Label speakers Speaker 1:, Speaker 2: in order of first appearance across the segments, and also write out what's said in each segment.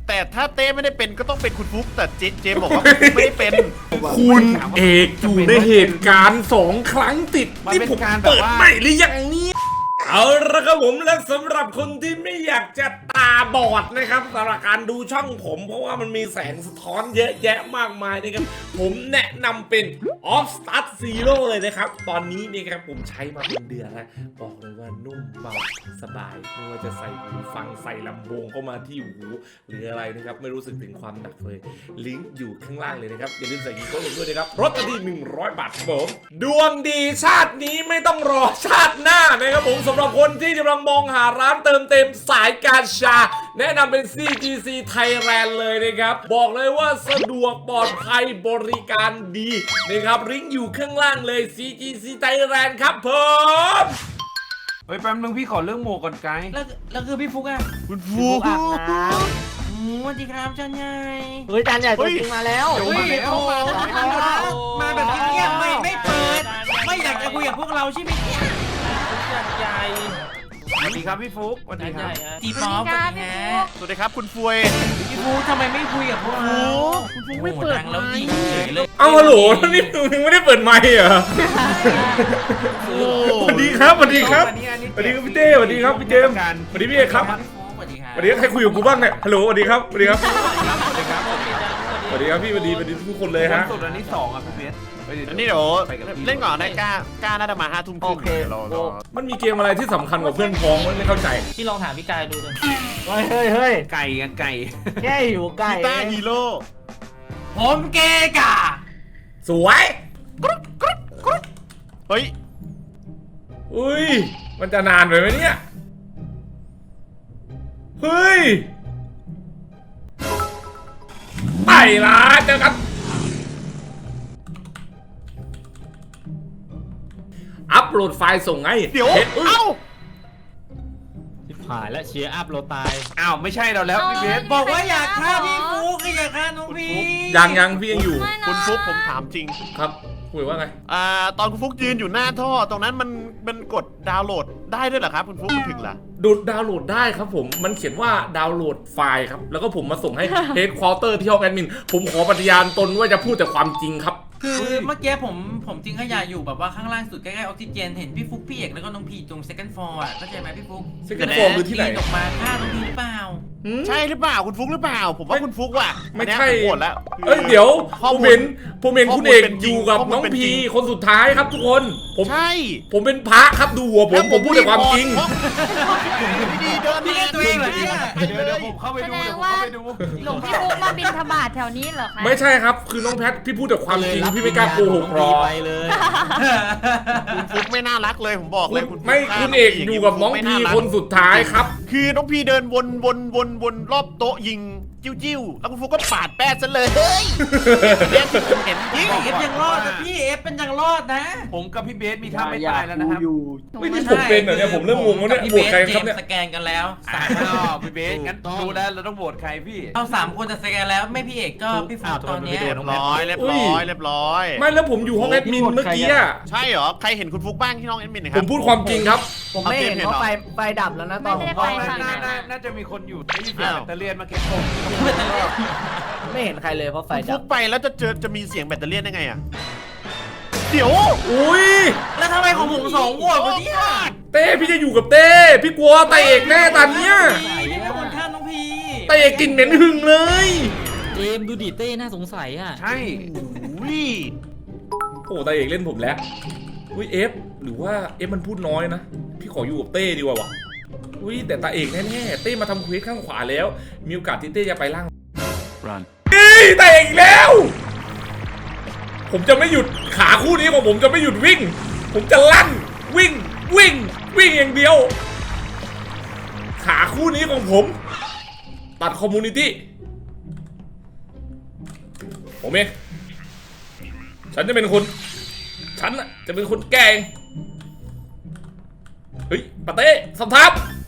Speaker 1: แต่ถ้าเต้ไม่ได้เป็นก็ต้องเป็นคุณฟุกแต่เจมบอกว่าไม่ได้เป็น
Speaker 2: คุณเอกอยู่ในเหตุการณ์2 ครั้งติดที่ผมเปิดใหม่หรือยังเนี่ยเอาละครับผมและสำหรับคนที่ไม่อยากจะตาบอดนะครับสำหรับการดูช่องผมเพราะว่ามันมีแสงสะท้อนเยอะแยะมากมายนะครับผมแนะนำเป็น Off Start Zero เลยนะครับตอนนี้นี่ครับผมใช้มาเป็นเดือนแล้วบอกเลยว่านุ่มเบาสบายไม่ว่าจะใส่หูฟังใส่ลำโพงเข้ามาที่หูหรืออะไรนะครับไม่รู้สึกถึงความหนักเลยลิงก์อยู่ข้างล่างเลยนะครับอย่าลืมใส่กีโก้ลงด้วยนะครับลดกันที่100 บาทครับผมดวงดีชาตินี้ไม่ต้องรอชาติหน้านะครับผมสำหรับคนที่กำลังมองหาร้านเติมเต็มสายการชาแนะนำเป็น CGC Thailand เลยนะครับบอกเลยว่าสะดวกปลอดภัยบริการดีนะครับลิงก์อยู่ข้างล่างเลย CGC Thailand ครับผม
Speaker 3: เฮ้ยแป๊บนึงพี่ขอเรื่องหมวกก่อนไกด์
Speaker 4: แล้วคือพี่ฟุกอ่ะ
Speaker 1: คุณฟุก
Speaker 4: อาบน้ำสวัสดีครับจันใหญ่
Speaker 5: เฮ้ยจานใหญ่ตัวจริงมาแล้ว
Speaker 4: เฮ้ยเข้ามาแบบเงียบๆไม่เปิด ไม่อยากจะคุยกับพวกเราใช่ไหมเนี่ยจันใหญ่
Speaker 3: สวัสดีครับพี่ฟุ๊กสวัสดีครับ
Speaker 4: ตีป๊อปสวัสดีฮะ
Speaker 1: สวัสดีครับคุณฟวย
Speaker 4: พี่ฟุกทำไมไม่คุยกับพวกเราคุณฟุกไม่เปิดแล้วยิงเฉยเลย
Speaker 2: เอาฮัลโหลนี่มึงไม่ได้เปิดไมค์เหรอสวัสดีครับสวัสดีครับสวัสดีครับพี่เต้สวัสดีครับพี่เจมส์สวัสดีพี่เอกครับ
Speaker 4: สวัสดีครับ
Speaker 2: สวัสดีครับใครคุยกับกูบ้างเนี่ยฮัลโหลสวัสดีครับสวัสดีครับ
Speaker 3: สวัสดีครับ
Speaker 2: สวัสดีครับพี่สวัสดีทุกคนเลย
Speaker 3: คน
Speaker 2: ฮะ
Speaker 3: สุดอันนี้2อ่ะพี่เบส
Speaker 1: อันนี้เดี๋ยวเล่นก่อนได้กล้าน่าจะมา5 ทุ่มครึ่ง
Speaker 5: โอเค
Speaker 1: เรา
Speaker 2: มันมีเกมอะไรที่สำคัญกว่าเพื่อนพ้องไม่เข้าใจ
Speaker 4: พี่ลองถามพี่กายดูเลย
Speaker 5: เฮ้ย
Speaker 3: ไก่กับไก่
Speaker 5: แค่หิวไก่
Speaker 1: กีตาร์ฮีโร่
Speaker 4: ผมเกกา
Speaker 2: สวย
Speaker 1: เฮ้ย
Speaker 2: อุ้ยมันจะนานไปไหมเนี่ยเฮ้ยไปละเจอกันอัปโหลดไฟล์ส่งไง
Speaker 1: เดี๋ยว
Speaker 2: อุ๊ย
Speaker 1: เอ้า
Speaker 6: หายและเชียร์อัพโลตาย
Speaker 3: อ้าวไม่ใช่เราแล้วพี่เบส
Speaker 4: บอกว่าอยากฆ่าพี่ฟุกอยากฆ่าน้องพี
Speaker 2: ยังพี่ยังอยู่
Speaker 1: คุณฟุกผมถามจริง
Speaker 2: ครับคุยว่าไง
Speaker 1: ตอนคุณฟุกยืนอยู่หน้าท่อ ตรงนั้นมันกดดาวน์โหลดได้ด้วยเหรอครับคุณฟุกถึงเหรอ
Speaker 2: ดาวน์โหลดได้ครับผมมันเขียนว่าดาวน์โหลดไฟล์ครับแล้วก็ผมมาส่งให้ เฮดควอเตอร์ที่ห้องแอดมินผมขอปฏิญาณตนว่าจะพูดแต่ความจริงครับ
Speaker 4: คือเมื่อกี้ผมจริงขยะอยู่แบบว่าข้างล่างสุดใกล้ๆออกซิเจนเห็นพี่ฟุกพี่เอกแล้วก็น้องพีตรง second floor อ่ะเข้าใจไหมพี่ฟุก
Speaker 2: Second floor คือที่ไหน
Speaker 4: ปีออกมาฆ่าน้องพีหรือเปล่า
Speaker 1: ใช่หรือเปล่าคุณฟุกหรือเปล่า ผมว่าคุณฟุกว่ะ
Speaker 2: ไม่ใช่
Speaker 1: อันเนี้ยผมโหวตแล้ว
Speaker 2: เอ้ยเดี๋ยว
Speaker 1: ข้อ
Speaker 2: ผม
Speaker 1: มูล
Speaker 2: เห็นคุณเอก
Speaker 1: เป็นจ
Speaker 2: อ
Speaker 1: ริง
Speaker 2: ยู่กับ
Speaker 1: ข้อมูล
Speaker 2: น้อง
Speaker 1: เป็น
Speaker 2: พี
Speaker 1: จริง
Speaker 2: คนสุดท้ายครับทุกคนผม
Speaker 1: ใช่
Speaker 2: ผมเป็นพระครับดูหัวผมพูดแต่ความจริง
Speaker 1: ดีๆเดิน
Speaker 4: พี่เล่นตัวเองเหรอเนี่ย
Speaker 3: เดี๋ยวผมเข้าไปดูเดี๋ยวผมเข้าไปดู
Speaker 7: หลวงพี่ฟุกมาบินธบาตแถวนี้เหรอคะ
Speaker 2: ไม่ใช่ครับคือน้องแพทพี่พูดแต่ความจริงพี่ไม่กล้าโกหกหรอก
Speaker 6: ไปเลย
Speaker 1: คุณฟุกไม่น่ารักเลยผมบอกเลยคุณฟุ๊
Speaker 2: ไม่
Speaker 1: ฆ่า
Speaker 2: คุณเอก
Speaker 1: าง
Speaker 2: อยู่กับน้อง
Speaker 1: ไม่
Speaker 2: พี
Speaker 1: ารัก
Speaker 2: คนสุดท้ายครับ
Speaker 1: คือน้องพีเดินวนรอบโต๊ะยิงจิ้วๆแล้วคุณฟุกก็ปาดแป้ซะเลยเฮ้ยเห็นยิง
Speaker 4: เอฟยังรอดนะพี่เอฟเป็นยังรอดนะ
Speaker 3: ผมกับพี่เบสมีท่าไม่ตายแล้วนะครับ
Speaker 2: ไม่ที่ผมเป็นเหรอเนี่ยผมเริ่มงงแล้วเนี่ย
Speaker 4: พี่
Speaker 2: โหว
Speaker 4: เบ
Speaker 2: ต
Speaker 4: ส
Speaker 2: ใคร
Speaker 4: เจ
Speaker 2: ครับ
Speaker 4: ม
Speaker 2: เนี่ย
Speaker 4: ส์สแกนกันแล้ว
Speaker 3: อ้าวพี่เบสงั้นดูแล้วเราต้องโหวตใครพี่
Speaker 4: เอา3 คนจะสแกนแล้วไม่พี่เอกก็พี่ฟุกตอนเนี้ย
Speaker 1: เรียบร้อยเรียบร้อย
Speaker 2: ไม่แล้วผมอยู่ห้องแอดมินเมื่อกี้อะ
Speaker 1: ใช่เหรอใครเห็นคุณฟุกบ้างที่น้องแอดมินนะค
Speaker 2: ผ
Speaker 1: รั
Speaker 2: มพูดความจริงครับ
Speaker 5: ผมไม่เห็นเพราะไฟดับแล้วนะตอนผมเข้าไป
Speaker 3: น่าจะมีคนอยู่ได้ยินเสียงแบตเตอรี่มาเก็บผม
Speaker 5: ไม่เห็นใครเลยเพราะไฟ
Speaker 1: คุณ
Speaker 5: ดั
Speaker 1: ฟุ
Speaker 5: บ
Speaker 1: กไปแล้วจะมีเสียงแบตเตอรี่ได้ไงอ่ะเดี๋ยว
Speaker 2: อุ้ย
Speaker 4: แล้วทำไมของผม2 โหวตวะเนี่ย
Speaker 2: เต้พี่จะอยู่กับเต้พี่กลัวตาเอกแน่ตอนเนี้ย
Speaker 4: พี่เป็นคนฆ่าน้องพี
Speaker 2: ตาเอกกลิ่นเหม็นหึงเลย
Speaker 6: เจมส์ดูดิเต้น่าสงสัยอ่ะ
Speaker 3: ใช่
Speaker 1: อุ้ย
Speaker 2: โอ้ตาเอกเล่นผมแล้วอุ้ยเอฟหรือว่าเอฟมันพูดน้อยนะพี่ขออยู่กับเต้ดีกว่าวะอุ้ยแต่ตาเอกแน่ๆเต้มาทำเควสข้างขวาแล้ว มีโอกาสที่เต้จะไปล่างเฮ้ยตาเอกอีกแล้ว ผมจะไม่หยุดขาคู่นี้ของผมจะไม่หยุดวิ่ง ผมจะลั่นวิ่งอย่างเดียว ขาคู่นี้ของผม ตัดคอมมูนิตี้ผมเองฉันจะเป็นคนฉันน่ะจะเป็นคนแกงเฮ้ยปาเต้สัมทับ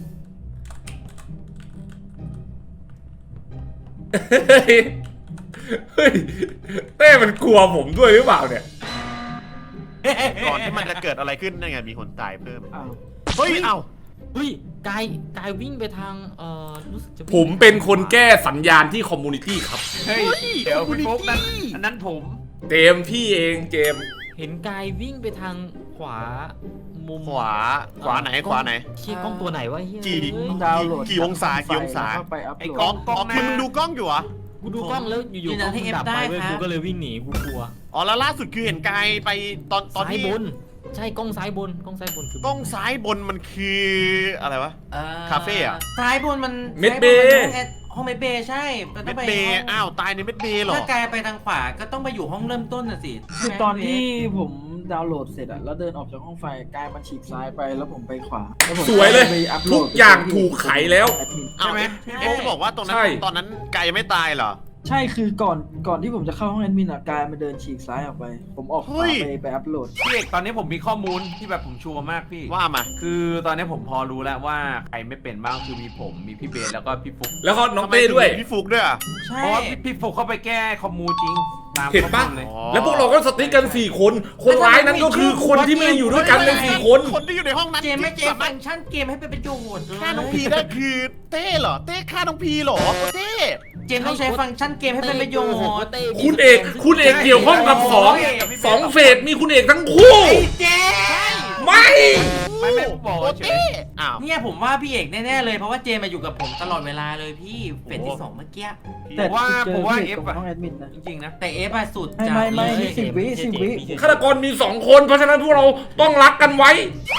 Speaker 2: เฮ้ยเต้มันกลัวผมด้วยหรือเปล่าเนี่ย
Speaker 1: ก่อนที่มันจะเกิดอะไรขึ้นนั่นไงมีคนตายเพิ่ม
Speaker 3: อ้าว
Speaker 1: เฮ้ยเอ้า
Speaker 6: เฮ้ยกายวิ่งไปทางรู้สึกจะวิ่ง
Speaker 2: ผมเป็นคนแก้สัญญาณที่คอมมูนิตี้ครับ
Speaker 3: เฮ้ยเดี๋ยวพี่ฟุกนั้นอันนั้นผม
Speaker 2: เจมส์พี่เองเจมส์
Speaker 6: เห็นกายวิ่งไปทางขวามุม
Speaker 1: ขวาไหนขวาไหน
Speaker 6: เชี่ยกล้องตัวไหนวะเฮีย
Speaker 1: กี่
Speaker 6: เอ้ย
Speaker 5: ดาวน์โหลด
Speaker 1: กี่องศากี่องศา
Speaker 5: เข้าไปอัพ
Speaker 3: ไอ้
Speaker 5: โหล
Speaker 3: กล้อง
Speaker 5: ด
Speaker 3: กล้องหน้า
Speaker 1: มึงดูกล้องอยู่เหรอ
Speaker 6: กูดูกล้องแล้วอยู่ๆกล้องมันดับไปเว้ยกูก็เลยวิ่งหนีกูกลัว
Speaker 1: อ๋อแล้วล่าสุดคือเห็นกายไปตอน
Speaker 6: ซ้าย
Speaker 1: ที่
Speaker 6: บนใช่กล้องซ้ายบนคือก
Speaker 1: ล้องซ้ายบนมันคืออะไรวะ คาเฟ่อะ
Speaker 4: ซ้ายบนมัน
Speaker 2: เม็ดเบย์
Speaker 4: ห้องเมดเบย์ใช่มันต้
Speaker 1: เม็
Speaker 4: อง
Speaker 1: ด
Speaker 4: ไป
Speaker 1: เบย์อ้าวตายในเม็ดเบย์เหรอ
Speaker 4: ถ้ากายไปทางขวาก็ต้องไปอยู่ห้องเริ่มต้นน่ะสิ
Speaker 5: คือตอนที่ผมดาวน์โหลดเสร็จอะแล้วเดินออกจากห้องไฟกายมันฉีกซ้ายไปแล้วผมไปขวาแล้วผม
Speaker 2: สวยเลย
Speaker 5: ไปอัพโหล
Speaker 2: ทุ
Speaker 5: ด
Speaker 2: กอย่างถูกไขแล้ว
Speaker 5: แอดมิน
Speaker 1: อ้าวเอ๊ะจะบอกว่าตรงนั้
Speaker 2: ใช่
Speaker 1: นตอนนั้นกายยังไม่ตายเหรอ
Speaker 5: ใช่คือก่อนที่ผมจะเข้าห้องแอดมินอะกายมันเดินฉีกซ้ายออกไป ผมออกข
Speaker 1: เฮ้
Speaker 5: วาย ไปอัพโหลด
Speaker 3: พี่เอกตอนนี้ผมมีข้อมูลที่แบบผมชัวร์มากพี่
Speaker 1: ว่ามา
Speaker 3: คือตอนนี้ผมพอรู้แล้วว่าใครไม่เป็นบ้างคือมีผมมีพี่เบสแล้วก็พี่ฟุก
Speaker 2: แล้วก็น้องเต้ด้วย
Speaker 1: ทำไมถึงมีพี่ฟุกด้วยอะ
Speaker 4: ใช่
Speaker 3: เพราะว่าพี่ฟุกเข้าไปแก้คอมมูจริงตาม
Speaker 2: เห็นปะ
Speaker 3: ข้อมูลเลย
Speaker 1: อ๋อ
Speaker 2: แล้วพวกเราก็สติ๊กกัน4 คน คนร้ายนั้นก็คือคนที่ไม่ได้อยู่ด้วยกันใน4 คน
Speaker 1: คนที่อยู่ในห้องนั้น
Speaker 4: เจมไม่เจม
Speaker 1: สา
Speaker 4: ฟั
Speaker 1: มารถ
Speaker 4: งก์ชันเกมให้เป็นประโยชน์เลย
Speaker 1: ฆ่าน้องพีได้คือเต้เหรอเต้ฆ่าน้องพีเหรอเต้
Speaker 4: เจมต้องใช้ฟังก์ชันเกมให้เป็นประโยชน์
Speaker 2: คุณเอกเกี่ยวข้องกับสองเฟสมีคุณเอกทั้งคู่
Speaker 4: ไอ้เจม
Speaker 2: ไม่
Speaker 3: ไม่บอก
Speaker 1: โอ้
Speaker 3: เฉ
Speaker 1: เต้
Speaker 3: ย
Speaker 1: อ้าว
Speaker 4: เนี่ยผมว่าพี่เอกแน่ๆเลยเพราะว่าเจมมาอยู่กับผมตลอดเวลาเลยพี่เฟสที่2เมื่อกี้
Speaker 5: แต่
Speaker 3: ผมว่า
Speaker 5: เจ
Speaker 3: ผมว่า
Speaker 5: พี่
Speaker 3: เอฟ
Speaker 5: ตรง
Speaker 3: อะ
Speaker 5: ห้องแอดมินนะ
Speaker 3: จริงๆนะ
Speaker 4: แต่เอฟอะสุด
Speaker 5: ไม่
Speaker 4: จัด
Speaker 5: ไม่
Speaker 4: เลย
Speaker 5: 10 วิ
Speaker 2: ฆาตกรมี 2 คนเพราะฉะนั้นพวกเราต้องรักกันไว้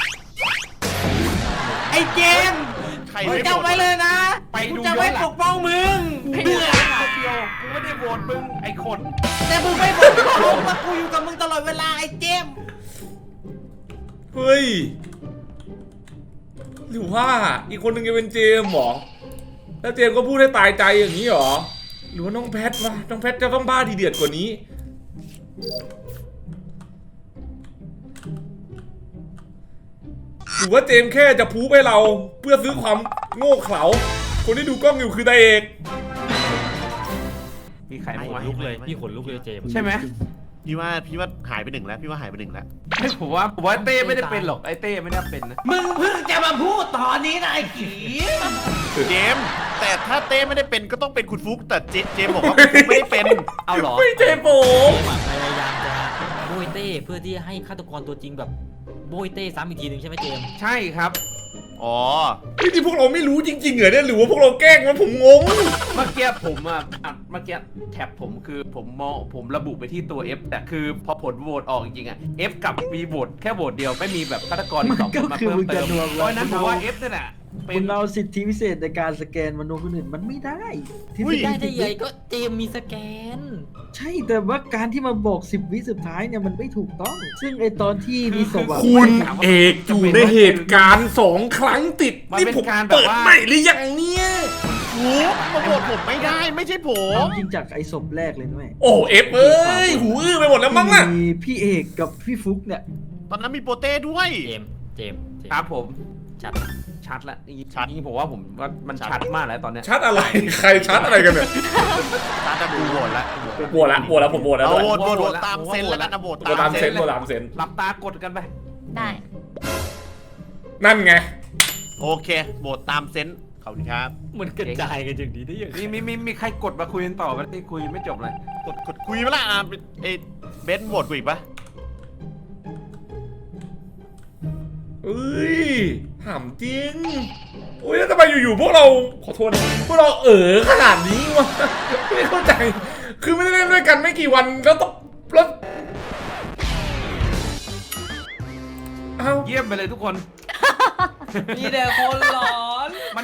Speaker 4: ไอ้เจม
Speaker 1: ใคร
Speaker 4: มึง
Speaker 1: ไม่
Speaker 4: จำไว้เลยนะ
Speaker 3: ไปดู
Speaker 4: กูจะไม่
Speaker 3: ย้อนหลัง
Speaker 4: ปกป้องมึง
Speaker 3: เบื่อเดียวกูไม่ได้โหวตมึงไอ้คน
Speaker 4: แต่มึงไม่ปกป้องว่ากูอยู่กับมึงตลอดเวลาไอ้เจม
Speaker 2: เฮ้ย หรือว่าอีกคนหนึ่งจะเป็นเจมส์เหรอ แล้วเจมส์ก็พูดให้ตายใจอย่างนี้เหรอ หรือว่าน้องแพทวะน้องแพทจะต้องบ้าทีเดือดกว่านี้ หรือว่าเจมส์แค่จะพูให้เราเพื่อซื้อความโง่เขลา คนที่ดูกล้องอยู่คือตาเอก
Speaker 3: มีใครบ้าง
Speaker 6: ข
Speaker 3: วะ
Speaker 6: นลุกเลยพี่ขนลุกเลยเจมส์
Speaker 3: ใช่ไหม
Speaker 1: พี่ว่าหายไปหนึ่งแล้วพี่ว่าหายไปหนึ่งแล้ว
Speaker 3: ไม่ผมว่าเต้ไม่ได้เป็นหรอกไอ้เต้ไม่ได้เป็นนะ
Speaker 4: มึงเพิ่งจะมาพูดตอนนี้นะไอ้ขี
Speaker 1: เจมส์แต่ถ้าเต้ไม่ได้เป็นก็ต้องเป็นคุณฟุกแต่เจมส์บอกว่าคุณฟุกไม่ได้เป็น
Speaker 3: เอาเหรอ
Speaker 2: ไม่ใช่ผม
Speaker 6: พยายามจะโบยเต้เพื่อที่ให้ฆาตกรตัวจริงแบบโบยเต้ซ้ำอีกทีหนึ่งใช่ไหมเจมส์
Speaker 3: ใช่ครับ
Speaker 1: อ๋อ
Speaker 2: นี่พวกเราไม่รู้จริงๆเหรอเนี่ยหรือว่าพวกเราแกล้งวะผมงง
Speaker 3: เมื่อกี้ผมเมื่อกี้แท็บผมคือผมระบุไปที่ตัว F แต่คือพอผลโหวตออกจริงๆอะ F กับมีโหวตแค่โหวตเดียวไม่มีแบบฆาตกรอีก2 คนมาเพิ่มเติมเพราะฉะนั้นผมว่า F นั่นแหละเป็
Speaker 5: คุ
Speaker 3: น
Speaker 5: ณเอาสิทธิพิเศษในการสแกนมโนคนอื่นมันไม่ได้ที่
Speaker 1: อุ้ย
Speaker 6: ได้ได้ใหญ่ก็เจมส์มีสแกน
Speaker 5: ใช่แต่ว่าการที่มาบอก10 วิสุดท้ายเนี่ยมันไม่ถูกต้อง ซึ่งไอตอนที่มีศพอะ
Speaker 2: คุณเอกอยู่ในเหตุการณ์2 ครั้งติด นี่ผมเปิดใหม่หรือยังเนี่ย
Speaker 1: ฟุกมาโหวตผมไม่ได้ไม่ใช่ผม
Speaker 5: จริงจากไอศพแรกเลยด้วย
Speaker 2: โอ้เอฟเอ้ย หูอื้อไปหมดแล้วมั้งน่ะ
Speaker 5: มีพี่เอกกับพี่ฟุกเนี่ย
Speaker 1: ตอนนั้นมีโปเต้ด้วย
Speaker 6: เจมส์
Speaker 3: ครับผม
Speaker 6: ชัด
Speaker 3: ชัดละ
Speaker 1: ชัด
Speaker 3: นี่ผมว่าผมว่ามันชัดมากแล้วตอนเนี้ย
Speaker 2: ชัดอะไร ใครชัดอะไรกันเนี่ย
Speaker 1: ตาจะดูโหวตละ
Speaker 2: โหวตละผมโหวตแล้ว
Speaker 1: เอา
Speaker 2: ด้วย
Speaker 1: โหวตตามเซนแล้วกันนะโหวต
Speaker 2: โหวตตามเซนโหวตตามเซน
Speaker 3: หลับตากดกันไป
Speaker 7: ได้
Speaker 2: นั่นไง
Speaker 1: โอเคโหวตตามเซนขอบคุณครับ
Speaker 6: มันกระจายกันอย่างนี้ได้ยังไง
Speaker 3: มีใครกดมาคุยกันต่อกันที่คุยไม่จบเลย
Speaker 1: กดคุยมาละเอยเบนซ์โหวตกูอีกปะ
Speaker 2: เอ้ยถามจริงอุ้ยแล้วทำไมอยู่ๆพวกเราขอโทษนะพวกเราขนาดนี้วะไม่เข้าใจ คือไม่ได้เล่นด้วยกันไม่กี่วันแล้วต้องแล้วเอ้า
Speaker 3: เยี่ยมไปเลยทุกคน
Speaker 4: มีแต่คนหลอน
Speaker 3: มัน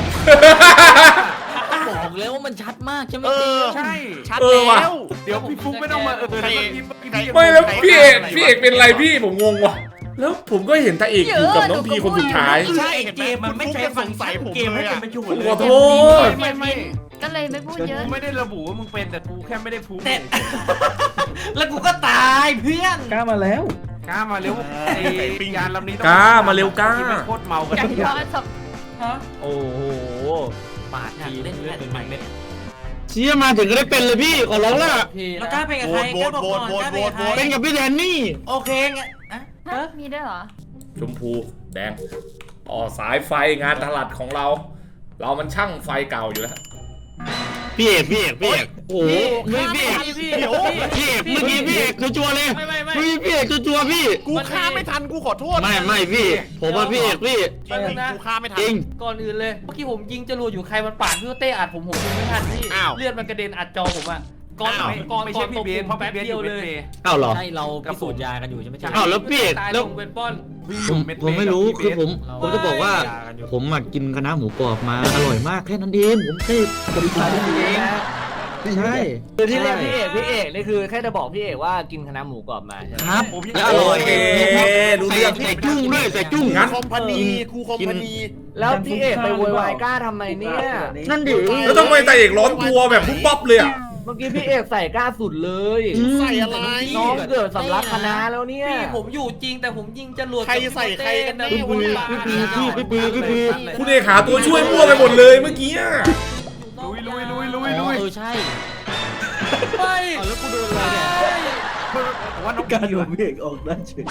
Speaker 6: บอกแล้วว่ามันชัดมากใช่ไหม
Speaker 1: เอ
Speaker 6: เจ
Speaker 1: อ
Speaker 6: มส์
Speaker 3: ใช่
Speaker 1: ชัด
Speaker 2: ว่ะ
Speaker 1: แล้ว
Speaker 3: เดี๋ยวพี่ฟุ๊กไม่ต้องมา
Speaker 1: ใคร
Speaker 3: แล้วพี่
Speaker 2: ไม่แล้วพี่เอกเป็นไรพี่ผมงงว่ะแล้วผมก็เห็นตาเอกอยู่กับน้องพีคนสุดท้าย
Speaker 4: ใช่เกมมันไม่ใช่ฟังก์ชันเกมให้เป็นประโยชน์เลย
Speaker 2: ขอโทษ
Speaker 3: ไม่
Speaker 7: ก็เลยไม่พูดเยอะ
Speaker 3: กูไม่ได้ระบุว่ามึงเป็นแต่กูแค่ไม่ได้พูด
Speaker 4: แต่แล้วกูก็ตายเพื่อน
Speaker 5: กล้ามาแล้ว
Speaker 3: กล้ามาเร็วไอ้ปิงยานลำนี้ต้อง
Speaker 2: กล้ามาเร็วกล้า
Speaker 3: ที่ไม่โคตรเมากัน
Speaker 7: อย่างเพราะศพ
Speaker 4: ฮะ
Speaker 6: โอ้โหปาดทีเล่นเลือดเป็นเม็ด
Speaker 5: เชี่ยมาถึงก็ได้เป็นเลยพี่ขอร้องละ
Speaker 4: แล้วกล้าเป็นกับใครกล้าบอกก่อนกล้าเป็นกับใคร
Speaker 5: เป็นกับพี่แดนนี่
Speaker 4: โอเคงั้นอะ
Speaker 7: ฮะมีด้วยเหรอ
Speaker 2: ชมพูแดงต่อสายไฟงานถนัดของเรา เรามันช่างไฟเก่าอยู่แล้ว
Speaker 8: พี่เอกโอ้โหไม่พี่เอก
Speaker 1: เดี๋ยว
Speaker 8: พี่เอกเมื่อกี้พี่เอกชัวร์เลย
Speaker 4: ไม่
Speaker 8: พี่เอกชัวร์พี่
Speaker 1: กูฆ่าไม่ทันกูขอโทษ
Speaker 8: ไม่พี่ ผมว่าพี่เอกพี่
Speaker 1: จริงๆกูฆ่าไม่ทัน
Speaker 8: จริง
Speaker 4: ก่อนอื่นเลยเมื่อกี้ผมยิงจรวดอยู่ใครมันปาดพี่เต้อัดผมยิงไม่ทันพี่
Speaker 1: อ้าว
Speaker 4: เลือดมันกระเด็นอัดจอผมอะก่อน
Speaker 1: อ้าว
Speaker 4: ก่อน
Speaker 3: ไม่
Speaker 4: ก่
Speaker 3: ใช่
Speaker 4: อนต
Speaker 3: พี่
Speaker 4: ก
Speaker 3: เบน
Speaker 4: ผม
Speaker 3: เพราะ
Speaker 4: แป๊บ
Speaker 3: พี่เบน
Speaker 4: เดียวเลย
Speaker 8: อ้าวเหรอ
Speaker 6: ใช่เราพิสูจน์ยากันอยู่ใช่ไหมใช่
Speaker 8: อ้าวแล้วพี่เอก
Speaker 4: ตาย
Speaker 8: แล้
Speaker 4: ล
Speaker 8: ว
Speaker 4: งเป็นป้อน
Speaker 8: ผมไม่รู้คือผมจะบอกว่า ผมมากินคณะน้าหมูกรอบมาอร่อยมากแค่นั้นเองผมแค่บริการเองใช่
Speaker 9: คือที่เรียกพี่เอกนี่คือแค่จะบอกพี่เอกว่ากินคณะหมูกรอบมาใช่ไหม
Speaker 8: ครับ
Speaker 3: ผมยัง
Speaker 8: แล้วอร่อย
Speaker 2: โอเครู้เรื่อง
Speaker 8: ใส่จุ้งด้วยใส่จุ้ง
Speaker 2: งั้น
Speaker 1: คอมพานีครูคอมพานี
Speaker 9: แล้วพี่เอกไปโวยวายกล้าทำไมเนี่ย
Speaker 8: นั่นดิ
Speaker 2: แล้วต้องไปแต่เอกร้อนตัวแบบปุ๊บปั๊บเลยอ่ะ
Speaker 9: เมื่อกี้พี่เอกใส่กล้าสุดเลย
Speaker 1: ใส่อะไร
Speaker 9: น้องเกิดสำลักคณะแล้วเนี่ย
Speaker 4: พี่ผมอยู่จริงแต่ผมยิงจรวด
Speaker 1: ใครใส่ใครกันแน่
Speaker 4: พี่
Speaker 1: วะเนี่ย
Speaker 8: พี่
Speaker 2: คุณเอกหาตัวช่วยมั่วไปหมดเลยเมื่อกี้อะ
Speaker 6: อ๋อใช่
Speaker 4: ไม่
Speaker 6: เอาแล้วกูโดนอะไรเนี่ย
Speaker 3: ผมว่าน้อง
Speaker 5: การ
Speaker 3: พี
Speaker 5: โด
Speaker 3: ว่ะ
Speaker 5: นพี่เอกออกได้เฉย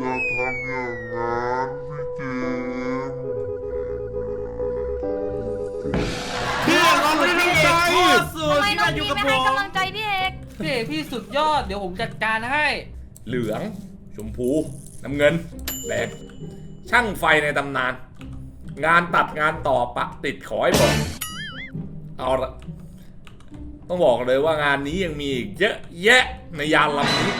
Speaker 8: พี่เอกลองไปพี่เอก
Speaker 4: โคตรสุด
Speaker 7: ทำไม
Speaker 4: ที่
Speaker 7: น้อ
Speaker 4: มาง อยู่
Speaker 7: พี
Speaker 4: กับ
Speaker 7: ไม่
Speaker 4: ผ
Speaker 7: ให้
Speaker 4: ม
Speaker 7: กำลังใจพี่เอก
Speaker 4: พี่เอกพี่สุดยอดเดี๋ยวผมจัดการให้
Speaker 2: เหลืองชมพูน้ำเงินแดงช่างไฟในตำนาน งานตัดงานต่อปะติดขอให้บอกเอาละต้องบอกเลยว่างานนี้ยังมีอีกเยอะแยะในยานลำนี้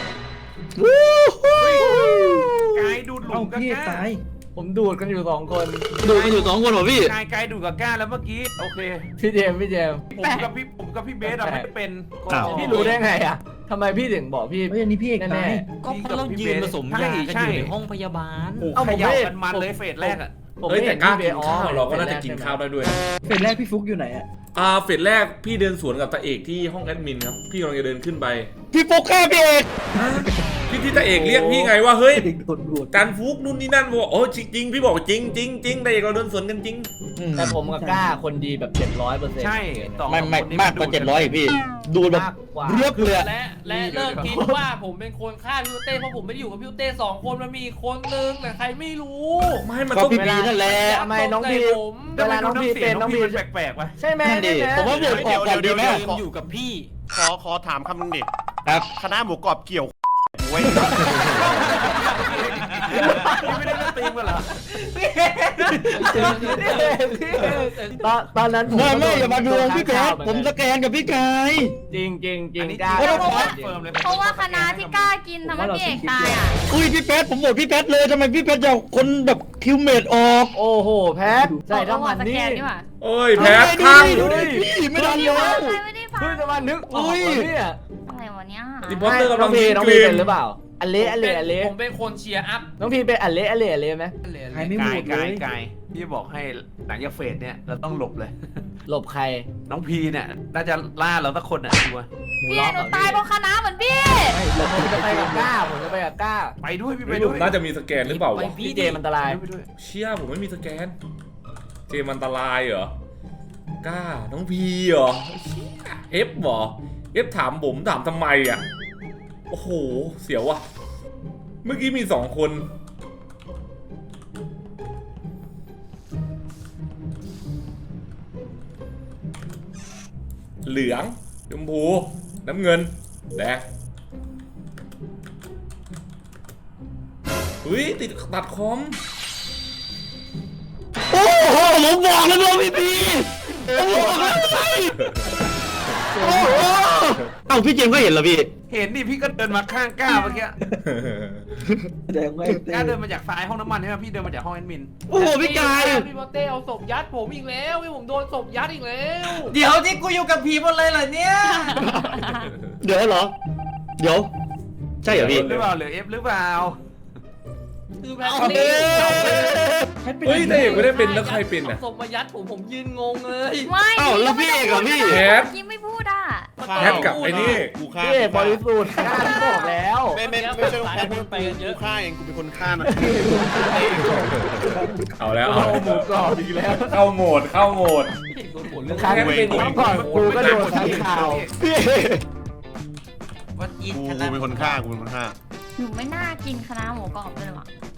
Speaker 3: กายดูดหลุ
Speaker 5: เอ้าม
Speaker 3: กับ
Speaker 5: พี่เอก
Speaker 3: ก้า
Speaker 5: ตาย
Speaker 9: ผมดูดกันอยู่2 คน
Speaker 8: ดูกันอยู่2 คนเหรอพี่
Speaker 3: กายดูดกับก้าแล้วเมื่อกี้โอเค
Speaker 9: พี่เจมส์
Speaker 3: ผมกับพี่เบสอะไม่ได้เป็น
Speaker 8: อ้าว
Speaker 9: พี่รู้ได้ไงอะทำไมพี่ถึงบอกพี่
Speaker 5: เฮ้ยอันนี้พี่เอก
Speaker 9: แน่
Speaker 5: ตาย
Speaker 6: ก็เพราะเรายืนผสมยากันอยู่ในห้องพยาบาล
Speaker 3: โอ้
Speaker 9: เอ้า
Speaker 3: ข
Speaker 9: ผม
Speaker 3: ยับ
Speaker 9: ไม่
Speaker 3: กันมันเลยเฟสแรกอะ
Speaker 9: ผม
Speaker 2: เฮ้ย
Speaker 9: ไม่
Speaker 2: แต่
Speaker 9: เห็น
Speaker 2: กล้า
Speaker 9: พี่
Speaker 2: กินข้าวเราก็น่าจะกินข้าวได้ด้วย
Speaker 5: เฟสแรกพี่ฟุกอยู่ไหนอะ
Speaker 2: เฟสแรกพี่เดินสวนกับตาเอกที่ห้องแอดมินครับพี่กำลังจะเดินขึ้นไป
Speaker 8: พี่ฟุกฆ่าพี่เอก
Speaker 2: ที่ตาเอกเรียกพี่ไงว่าเฮ้ย
Speaker 5: เด็กโดนบวช
Speaker 2: การฟุกนู่นนี่นั่นบอกโอ้จริงๆพี่บอกจริงจริงจริงแต่เอกเราเดินสวนกันจริง
Speaker 9: แต่ผมกับกล้าคนดีแบบ700%
Speaker 3: ใช่สอง
Speaker 8: ไม่
Speaker 3: คนนี้
Speaker 8: มากกว่า700อีกพี่ ดูแบบ
Speaker 9: มากกว่า
Speaker 8: เรียบเลย
Speaker 4: และเลิกคิดว่าผมเป็นคนฆ่าพี่เต้เพราะผมไม่ได้อยู่กับพี่เต้2 คนมันมีอีกคนนึงแต่ใครไม่รู้
Speaker 2: ไม่มัน
Speaker 8: ก็
Speaker 2: ต้อง
Speaker 8: พี่บีนั่นแหละ
Speaker 9: ทำไมน้องพี
Speaker 4: ผม
Speaker 9: เวลาน้องพีเป็นน้องพี
Speaker 3: แปลกๆวะ
Speaker 9: ใช่ไหม
Speaker 8: นั่นดิผมว่าโหวตออกก่อนดีไหม
Speaker 6: อยู่กับพี่
Speaker 1: ขอถามคำนึงดิ
Speaker 8: ครับ
Speaker 1: คณะหมูกรอบเกี่ยวไว้
Speaker 3: ไม่ได้เล่นตีมกันเหรอ
Speaker 9: ตอนนั้นผม
Speaker 8: ไม่อย่ามาดูพี่แกผมสแกนกับพี่กาย
Speaker 9: จริงกล้า
Speaker 7: เพราะว่าคณะที่กล้ากินทำให้พี่เอกตายอ่ะ
Speaker 8: อุ้ยพี่แป๊ดผมโหวตพี่แป๊ดเลยทำไมพี่แป๊ดจะเอาคนแบบคิวเมดออก
Speaker 9: โอ้โหแพทใส่ทั้งมัน
Speaker 7: ส
Speaker 9: นี่
Speaker 7: แกนนี่หว่า
Speaker 2: เอ้ยแพ้ข้าง
Speaker 8: ดูดิพี่ไม่ทัน
Speaker 7: พี่
Speaker 8: แล้
Speaker 7: ฟัง
Speaker 8: ว
Speaker 7: ใครไม่ได้ฟัง
Speaker 9: เพิ่งจะมานึกออกว่าเนี่ย
Speaker 7: อะไรวะเนี่ย
Speaker 2: ดิพอสเตอร์กำลัง
Speaker 9: น้อง
Speaker 2: ก
Speaker 9: พี
Speaker 2: รี
Speaker 9: เป็น นหรือเปล่าอันเละ
Speaker 4: ผมเป็นคนเชียร์อัพ
Speaker 9: น้องพีเป็นอันเละไหม
Speaker 5: ใครไม่โหวตเลย
Speaker 3: กายพี่บอกให้หลังจากเฟสเนี่ยเราต้องหลบเลย
Speaker 9: หลบใคร
Speaker 3: น้องพีเนี่ยน่าจะล่าเราสักคนอ่ะชัวร์
Speaker 7: พี่เอกหนูตายเพราะคณะเหมือนพี่
Speaker 9: ผมจะไปกับกล้า
Speaker 3: ไปด้วยพี่ไป
Speaker 2: ไม่
Speaker 3: ด้
Speaker 2: รู้
Speaker 3: วย
Speaker 2: น่าจะมีสแกนหรือเปล่าวะ
Speaker 9: พี่เจมอันตราย
Speaker 3: ไปด้วย
Speaker 2: เชี่ยผมไม่มีสแกน เจมันตรายเหรอกล้าน้องพีเหรอเชี่ยเอฟเหรอเอฟถามผมถามทำไมอ่ะโอ้โหเสียวว่ะเมื่อกี้มี2 คนเหลืองชมพูน้ำเงินแดงอุ้ยติดตัดคอม
Speaker 8: โอ้โหผมบอกแล้วว่าพี่พีผมบอกแล้วไงโอ้โหเอ้าพี่เจมส์ก็เห็นเหรอพี่
Speaker 3: เห็นดิพี่ก็เดินมาข้างก้าเมื่อกี้
Speaker 5: แสดงว่า
Speaker 3: ก้าเดินมาจากซ้ายห้องน้ำมันใช่ไหมพี่เดินมาจากห้องแอดมิน
Speaker 8: โอ้โหพี่กาย
Speaker 4: พี่เต้เอาศพยัดผมอีกแล้วพี่ผมโดนศพยัดอีกแล้ว
Speaker 9: เดี๋ยวที่กูอยู่กับผีหมดเลยเหรอเนี่ย
Speaker 8: เดี๋ยวเหรอ เดี๋ยว ใช่เหรอพี่
Speaker 3: หรือเปล่าหรือเอฟหรือเปล่า
Speaker 4: คือแพท
Speaker 8: เอาดิ
Speaker 2: เฮ้ยแต่เอกไม่ได้เป็นแล้วใครเป็นอ่ะ
Speaker 4: ศพมายัดผมยืนงงเลย
Speaker 7: ไม่
Speaker 8: เอ้าแล้วพี่เอกเหรอพี่
Speaker 2: แพท
Speaker 7: ยิ้มไม่พูดอ่ะ
Speaker 2: แพทกับไอ้นี่
Speaker 1: กูฆ่า
Speaker 9: พี่เอกบริสุทธิ์กล้าที่บอกแล้ว
Speaker 1: ไม่ใช่แพทกูฆ่าเองกูเป็นคนฆ่านะ
Speaker 2: เอาแล้ว
Speaker 9: เอาหมูกรอบอีกแล้ว
Speaker 2: เข้าโหมด
Speaker 9: ครั้ง
Speaker 2: เป็น
Speaker 9: ก่อนกูก็โดนทั้งข่าว
Speaker 3: วันอีท
Speaker 1: กูเป็นคนฆ่ากูเป็นคนฆ่า
Speaker 7: หนูไม่น่ากินคณะหมูกรอบเลยว่ะ